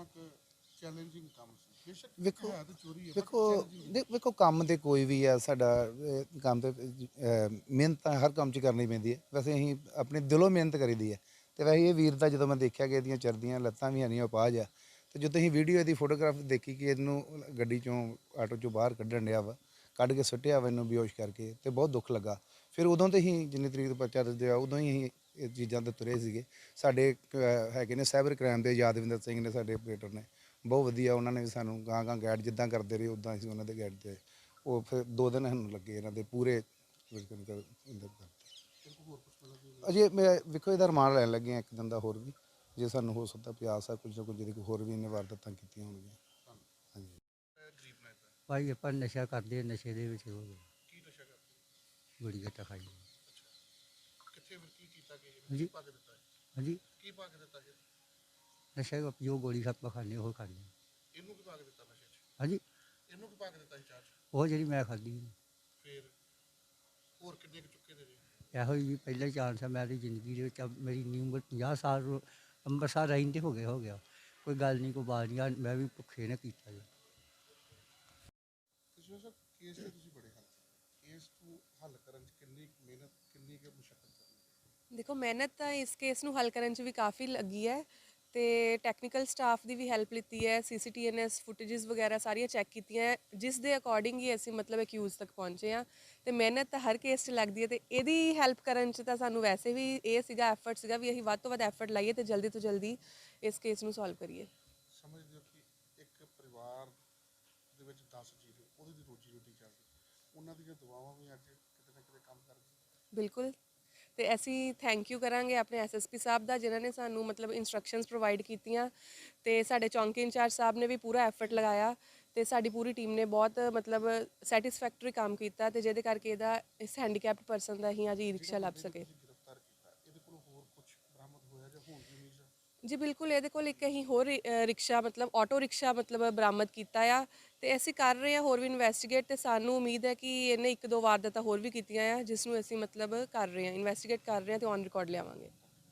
ਕੁ ਚੈਲੰਜਿੰਗ ਕੰਮ ਸੀ? ਬੇਸ਼ੱਕ ਵੇਖੋ ਹੈ ਤਾਂ ਚੋਰੀ ਹੈ ਵੇਖੋ ਬਟ ਚੈਲੰਜਿੰਗ। ਵੇਖੋ ਕੰਮ ਤੇ ਕੋਈ ਵੀ ਆ ਸਾਡਾ ਕੰਮ ਤੇ ਮਿਹਨਤ ਤਾਂ ਹਰ ਕੰਮ 'ਚ ਕਰਨੀ ਪੈਂਦੀ ਹੈ। ਵੈਸੇ ਅਸੀਂ ਆਪਣੇ ਦਿਲੋਂ ਮਿਹਨਤ ਕਰੀਦੀ ਹੈ। ਅਤੇ ਵੈਸੇ ਇਹ ਵੀਰ ਦਾ ਜਦੋਂ ਮੈਂ ਦੇਖਿਆ ਕਿ ਇਹਦੀਆਂ ਚਰਦੀਆਂ ਲੱਤਾਂ ਵੀ ਹਨੀਆਂ ਅਪਾਹਜ ਆ, ਅਤੇ ਜਦੋਂ ਅਸੀਂ ਵੀਡੀਓ ਇਹਦੀ ਫੋਟੋਗ੍ਰਾਫ ਦੇਖੀ ਕਿ ਇਹਨੂੰ ਗੱਡੀ 'ਚੋਂ ਆਟੋ 'ਚੋਂ ਬਾਹਰ ਕੱਢਣ ਡਿਆ ਵਾ, ਕੱਢ ਕੇ ਸੁੱਟਿਆ ਵਾ ਇਹਨੂੰ ਬੇਹੋਸ਼ ਕਰਕੇ, ਅਤੇ ਬਹੁਤ ਦੁੱਖ ਲੱਗਾ। ਫਿਰ ਉਦੋਂ ਤੋਂ ਹੀ ਜਿੰਨੀ ਤਰੀਕ ਤੋਂ ਪਰਚਾ ਦਰਜ ਉਦੋਂ ਹੀ ਅਸੀਂ ਇਹ ਚੀਜ਼ਾਂ ਤੋਂ ਤੁਰੇ ਸੀਗੇ। ਸਾਡੇ ਹੈਗੇ ਨੇ ਸਾਈਬਰ ਕ੍ਰਾਈਮ ਦੇ ਯਾਦਵਿੰਦਰ ਸਿੰਘ ਨੇ, ਸਾਡੇ ਆਪਰੇਟਰ ਨੇ, ਬਹੁਤ ਵਧੀਆ ਉਹਨਾਂ ਨੇ ਵੀ ਸਾਨੂੰ ਗਾਂ ਗਾਂ ਗਾਈਡ ਜਿੱਦਾਂ ਕਰਦੇ ਰਹੇ ਉੱਦਾਂ ਅਸੀਂ ਉਹਨਾਂ ਦੇ ਗਾਈਡ 'ਤੇ ਉਹ ਫਿਰ 2 ਦਿਨ ਸਾਨੂੰ ਲੱਗੇ ਇਹਨਾਂ ਦੇ ਪੂਰੇ ਅਜੇ ਮੈਂ ਵੇਖੋ ਇਹਦਾ ਰਿਮਾਂਡ ਲੈਣ ਲੱਗੇ ਹਾਂ 1 ਦਿਨ ਦਾ ਹੋਰ ਵੀ, ਜੇ ਸਾਨੂੰ ਹੋ ਸਕਦਾ ਪਿਆਸ ਆ ਕੁਝ ਨਾ ਕੁਝ ਜਿਹਦੇ ਹੋਰ ਵੀ ਇਹਨੇ ਵਾਰਦਾਤਾਂ ਕੀਤੀਆਂ ਹੋਣਗੀਆਂ। ਹਾਂਜੀ ਗਰੀਬ ਨਾ ਇਦਾਂ ਭਾਈ ਆਪਾਂ ਨਸ਼ਾ ਕਰਦੇ, ਨਸ਼ੇ ਦੇ ਵਿੱਚ ਹੋ ਗਏ, ਕੀ ਨਸ਼ਾ ਕਰਦੇ? ਬੜੀ ਘੱਟਾ ਖਾਈ। ਕਿੱਥੇ ਫਿਰ ਕੀ ਕੀਤਾ ਕਿ ਹਾਂਜੀ। ਪਾ ਕੇ ਦਿੱਤਾ ਹੈ? ਹਾਂਜੀ, ਕੀ ਪਾ ਕੇ ਦਿੱਤਾ ਜੀ? ਨਸ਼ਾ ਜੋ ਗੋਲੀ ਸੱਪ ਖਾਂਦੇ ਉਹ ਖਾਂਦੇ। ਇਹਨੂੰ ਕੀ ਪਾ ਕੇ ਦਿੱਤਾ ਨਸ਼ੇ 'ਚ? ਹਾਂਜੀ, ਇਹਨੂੰ ਕੀ ਪਾ ਕੇ ਦਿੱਤਾ ਸੀ ਚਾਹ 'ਚ? ਉਹ ਜਿਹੜੀ ਮੈਂ ਖਾਧੀ ਫਿਰ ਹੋਰ ਕਿੰਨੇ ਕੁ ਚੁੱਕੇ ਦੇ ਜੀ? ਇਹੋ ਹੀ ਪਹਿਲਾ ਚਾਂਸ ਹੈ ਮੇਰੀ ਜ਼ਿੰਦਗੀ ਦੇ ਵਿੱਚ। ਮੇਰੀ ਇੰਨੀ ਉਮਰ 50 ਸਾਲ ਅੰਮ੍ਰਿਤਸਰ ਰਹਿੰਦੇ ਹੋ ਗਿਆ। ਕੋਈ ਗੱਲ ਨਹੀਂ, ਕੋਈ ਬਾਤ ਨਹੀਂ, ਮੈਂ ਵੀ ਭੁੱਖੇ ਨੇ ਕੀਤਾ ਜੀ। ਤੁਸੀਂ ਸਰ ਕੇਸ ਤੇ ਤੁਸੀਂ ਬੜੇ ਹੱਲ ਕੇਸ ਨੂੰ ਹੱਲ ਕਰਨ 'ਚ ਕਿੰਨੀ ਕੁ ਮਿਹਨਤ, ਕਿੰਨੀ ਕੁ ਮੁਸ਼ੱਕਤ ਕਰਨੀ? ਦੇਖੋ ਮਿਹਨਤ ਤਾਂ ਇਸ ਕੇਸ ਨੂੰ ਹੱਲ ਕਰਨ 'ਚ ਵੀ ਕਾਫੀ ਲੱਗੀ ਹੈ, ਤੇ ਟੈਕਨੀਕਲ ਸਟਾਫ ਦੀ ਵੀ ਹੈਲਪ ਲਿੱਤੀ ਹੈ, CCTNS ਫੁਟੇजेस ਵਗੈਰਾ ਸਾਰੀਆਂ ਚੈੱਕ ਕੀਤੀਆਂ ਹੈ, ਜਿਸ ਦੇ ਅਕੋਰਡਿੰਗ ਹੀ ਅਸੀਂ ਮਤਲਬ ਅਕਿਊਜ਼ ਤੱਕ ਪਹੁੰਚੇ ਹਾਂ। ਤੇ ਮਿਹਨਤ ਤਾਂ ਹਰ ਕੇਸ 'ਚ ਲੱਗਦੀ ਹੈ, ਤੇ ਇਹਦੀ ਹੈਲਪ ਕਰਨ 'ਚ ਤਾਂ ਸਾਨੂੰ ਵੈਸੇ ਵੀ ਇਹ ਸੀਗਾ ਐਫਰਟ ਸੀਗਾ ਵੀ ਅਸੀਂ ਵੱਧ ਤੋਂ ਵੱਧ ਐਫਰਟ ਲਾਈਏ ਤੇ ਜਲਦੀ ਤੋਂ ਜਲਦੀ ਇਸ ਕੇਸ ਨੂੰ ਸੋਲਵ ਕਰੀਏ। ਸਮਝਦੇ ਹੋ ਕਿ ਇੱਕ ਪਰਿਵਾਰ ਦੇ ਵਿੱਚ 10 ਜੀਅ ਨੇ, ਉਹਦੀ ਦੀ ਰੋਜੀ ਰੋਟੀ ਚੱਲਦੀ, ਉਹਨਾਂ ਦੀਆਂ ਦੁਆਵਾਂ ਵੀ ਅੱਜ ਕਿਤੇ ਨਾ ਕਿਤੇ ਕੰਮ ਕਰਦੀਆਂ। ਬਿਲਕੁਲ। ਤੇ ਅਸੀਂ ਥੈਂਕ ਯੂ ਕਰਾਂਗੇ ਆਪਣੇ SSP ਸਾਹਿਬ ਦਾ, ਜਿਨ੍ਹਾਂ ਨੇ ਸਾਨੂੰ ਮਤਲਬ ਇਨਸਟਰਕਸ਼ਨਸ ਪ੍ਰੋਵਾਈਡ ਕੀਤੀਆਂ, ਤੇ ਸਾਡੇ ਚੌਂਕੀ ਇੰਚਾਰਜ ਸਾਹਿਬ ਨੇ ਵੀ ਪੂਰਾ ਐਫਰਟ ਲਗਾਇਆ, ਤੇ ਸਾਡੀ ਪੂਰੀ ਟੀਮ ਨੇ ਬਹੁਤ ਮਤਲਬ ਸੈਟੀਸਫੈਕਟਰੀ ਕੰਮ ਕੀਤਾ, ਤੇ ਜਿਹਦੇ ਕਰਕੇ ਇਹਦਾ ਇਸ ਹੈਂਡੀਕੈਪਡ ਪਰਸਨ ਦਾ ਅਸੀਂ ਅੱਜ ਈ ਰਿਕਸ਼ਾ ਲੱਭ ਸਕੇ। ਤੁਸੀਂ ਗ੍ਰਿਫਤਾਰ ਕੀਤਾ, ਇਹਦੇ ਕੋਲ ਹੋਰ ਕੁਝ ਬਰਾਮਦ ਹੋਇਆ ਜਾਂ ਹੋਣ ਦੀ ਉਮੀਦ ਹੈ? ਜੀ ਬਿਲਕੁਲ, ਇਹਦੇ ਕੋਲ ਇੱਕ ਅਸੀਂ ਹੋਰ ਰਿਕਸ਼ਾ ਮਤਲਬ ਆਟੋ ਰਿਕਸ਼ਾ ਮਤਲਬ ਬਰਾਮਦ ਕੀਤਾ ਆ, ਤੇ ਅਸੀਂ ਕਰ ਰਹੇ ਹਾਂ ਹੋਰ ਵੀ ਇਨਵੈਸਟੀਗੇਟ, ਤੇ ਸਾਨੂੰ ਉਮੀਦ ਹੈ ਕਿ ਇਹਨੇ 1-2 ਵਾਰਦਾਤਾਂ ਹੋਰ ਵੀ ਕੀਤੀਆਂ ਆ, ਜਿਸ ਨੂੰ ਅਸੀਂ ਮਤਲਬ ਕਰ ਰਹੇ ਹਾਂ, ਇਨਵੈਸਟੀਗੇਟ ਕਰ ਰਹੇ ਹਾਂ ਤੇ ਔਨ ਰਿਕਾਰਡ ਲਿਆਵਾਂਗੇ।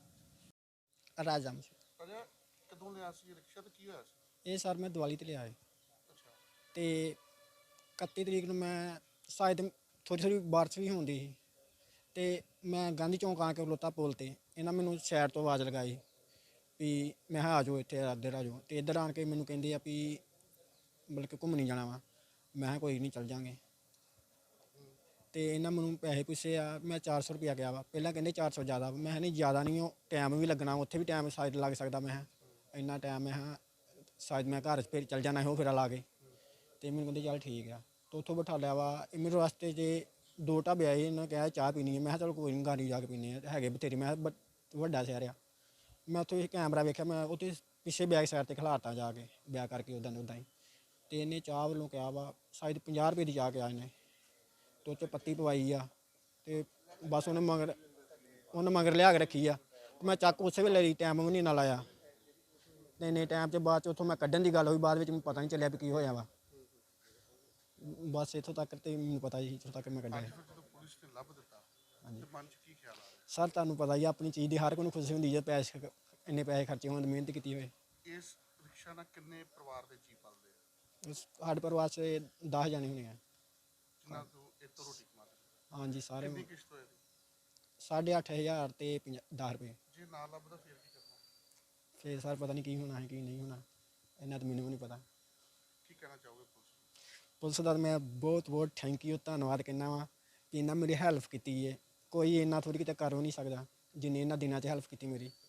ਰਾਜਾ ਅਜਾ ਕਦੋਂ ਲਿਆ ਸੀ ਇਹ ਰਿਕਸ਼ਾ ਤੇ ਕੀ ਹੋਇਆ ਸੀ? ਇਹ ਸਰ ਮੈਂ ਦਿਵਾਲੀ ਤੇ ਲਿਆ ਹੈ, ਅੱਛਾ। ਤੇ 31 ਤਰੀਕ ਨੂੰ ਮੈਂ ਸ਼ਾਇਦ ਥੋੜੀ ਬਾਰਿਸ਼ ਵੀ ਹੁੰਦੀ ਸੀ, ਤੇ ਮੈਂ ਗਾਂਧੀ ਚੌਂਕ ਆ ਕੇ ਖਲੋਤਾ ਪੁਲ ਤੇ, ਇਹਨਾਂ ਮੈਨੂੰ ਸਾਈਡ ਤੋਂ ਆਵਾਜ਼ ਲਗਾਈ ਵੀ ਮੈਂ ਕਿਹਾ ਆ ਜਾਓ ਇੱਥੇ ਇੱਧਰ ਆ ਜਾਓ, ਤੇ ਇੱਧਰ ਆਣ ਕੇ ਮੈਨੂੰ ਕਹਿੰਦੇ ਆ ਵੀ ਬਲਕਿ ਘੁੰਮਣੀ ਜਾਣਾ ਵਾ। ਮੈਂ ਕਿਹਾ ਕੋਈ ਨਹੀਂ ਚੱਲ ਜਾਂਗੇ, ਤੇ ਇਹਨਾਂ ਮੈਨੂੰ ਪੈਸੇ ਪੁੱਛੇ ਆ, ਮੈਂ 400 ਰੁਪਇਆ ਗਿਆ ਵਾ। ਪਹਿਲਾਂ ਕਹਿੰਦੇ 400 ਜ਼ਿਆਦਾ, ਮੈਂ ਕਿਹਾ ਨਹੀਂ ਜ਼ਿਆਦਾ ਨਹੀਂ, ਉਹ ਟਾਈਮ ਵੀ ਲੱਗਣਾ, ਉੱਥੇ ਵੀ ਟਾਈਮ ਸ਼ਾਇਦ ਲੱਗ ਸਕਦਾ। ਮੈਂ ਕਿਹਾ ਇੰਨਾ ਟਾਈਮ, ਮੈਂ ਕਿਹਾ ਸ਼ਾਇਦ ਮੈਂ ਘਰ ਫਿਰ ਚੱਲ ਜਾਣਾ ਉਹ ਫੇਰਾ ਲਾ ਕੇ, ਤੇ ਮੈਨੂੰ ਕਹਿੰਦੇ ਚੱਲ ਠੀਕ ਆ। ਤੇ ਉੱਥੋਂ ਬਿਠਾ ਲਿਆ ਵਾ। ਮੈਨੂੰ ਰਸਤੇ 'ਚ 2 ਢਾਬੇ ਆਏ, ਇਹਨਾਂ ਨੇ ਕਿਹਾ ਚਾਹ ਪੀਣੀ ਹੈ। ਮੈਂ ਕਿਹਾ ਚਲ ਕੋਈ ਨਹੀਂ ਗਾੜੀ ਜਾ ਕੇ ਪੀਂਦੇ ਆ, ਹੈਗੇ ਬਥੇਰੇ। ਮੈਂ ਕਿਹਾ ਵੱਡਾ ਸ਼ਹਿਰ ਆ। ਮੈਂ ਉੱਥੇ ਕੈਮਰਾ ਵੇਖਿਆ, ਮੈਂ ਉੱਥੇ ਪਿੱਛੇ ਬੈਕ ਸਾਈਡ 'ਤੇ ਖਿਲਾਰਤਾ ਜਾ ਕੇ, ਬਿਆ ਕਰਕੇ ਉੱਦਾਂ ਹੀ। ਤੇ ਇਹਨੇ ਚਾਹ ਵੱਲੋਂ ਕਿਹਾ ਵਾ ਸ਼ਾਇਦ 50 ਰੁਪਏ ਦੀ ਚਾਹ ਕਿਹਾ ਇਹਨੇ, ਤੇ ਉਹ 'ਚ ਪੱਤੀ ਪਵਾਈ ਆ, ਤੇ ਬਸ ਉਹਨੇ ਮਗਰ ਲਿਆ ਕੇ ਰੱਖੀ ਆ। ਮੈਂ ਚੱਕ ਉਸੇ ਵੇਲੇ ਲਈ, ਟਾਈਮ ਵੀ ਨਹੀਂ ਨਾਲ ਆਇਆ, ਤੇ ਇੰਨੇ ਟਾਈਮ 'ਚ ਬਾਅਦ 'ਚ ਉੱਥੋਂ ਮੈਂ ਕੱਢਣ ਦੀ ਗੱਲ ਹੋਈ, ਬਾਅਦ ਵਿੱਚ ਮੈਨੂੰ ਪਤਾ ਨਹੀਂ ਚੱਲਿਆ ਵੀ ਕੀ ਹੋਇਆ ਵਾ। ਬਸ ਇੱਥੋਂ ਤੱਕ ਤੇ ਮੈਨੂੰ ਪਤਾ ਜੀ, ਇੱਥੋਂ ਤੱਕ ਮੈਂ ਕੱਢਿਆ। ਅੱਜ ਫਿਰ ਜਦੋਂ ਪੁਲਿਸ ਨੇ ਲੱਭ ਦਿੱਤਾ ਤੇ ਮਨ 'ਚ ਕੀ ਖਿਆਲ ਆ ਰਿਹਾ? ਸਰ ਤੁਹਾਨੂੰ ਪਤਾ ਹੀ ਆਪਣੀ ਚੀਜ਼ ਦੀ ਹਰ ਕੋਈ ਨੂੰ ਖੁਸ਼ੀ ਹੁੰਦੀ ਜੇ ਪੈਸੇ ਇੰਨੇ ਪੈਸੇ ਖਰਚੇ ਹੋਣ, ਮਿਹਨਤ ਕੀਤੀ ਹੋਏ। ਇਸ ਰਿਕਸ਼ਾ ਨਾਲ ਕਿੰਨੇ ਪਰਿਵਾਰ ਦੇ ਜੀਅ ਪਲਦੇ ਆ? ਸਾਡੇ ਪਰਿਵਾਰ 'ਚ 10 ਜਾਣੇ ਹੋਣੇ ਆ। ਜਿਨ੍ਹਾਂ ਤੋਂ ਇਹ ਤੋਂ ਰੋਟੀ ਕਮਾਉਂਦੇ? ਹਾਂਜੀ ਸਾਰੇ। ਕਿੰਨੀ ਕਿਸ਼ਤ ਹੋਏਗੀ? 8,500 ਤੇ 10 ਰੁਪਏ। ਜੇ ਨਾ ਲੱਭਦਾ ਫਿਰ ਕੀ ਕਰਨਾ? ਫਿਰ ਸਰ ਪਤਾ ਨਹੀਂ ਕੀ ਹੋਣਾ ਹੈ ਕੀ ਨਹੀਂ ਹੋਣਾ, ਇੰਨਾ ਤਾਂ ਮੈਨੂੰ ਵੀ ਨਹੀਂ ਪਤਾ। ਕੀ ਕਹਿਣਾ ਚਾਹੋਗੇ ਪੁਲਿਸ ਨੂੰ? ਪੁਲਿਸ ਦਾ ਮੈਂ ਬਹੁਤ ਬਹੁਤ ਥੈਂਕ ਯੂ, ਧੰਨਵਾਦ ਕਹਿੰਦਾ ਵਾਂ ਕਿ ਇਹਨਾਂ ਮੇਰੀ ਹੈਲਪ ਕੀਤੀ ਹੈ। ਕੋਈ ਇੰਨਾ ਥੋੜ੍ਹੀ ਕਿਤੇ ਕਰ ਵੀ ਨਹੀਂ ਸਕਦਾ ਜਿੰਨੀ ਇਹਨਾਂ ਦਿਨਾਂ 'ਚ ਹੈਲਪ ਕੀਤੀ ਮੇਰੀ।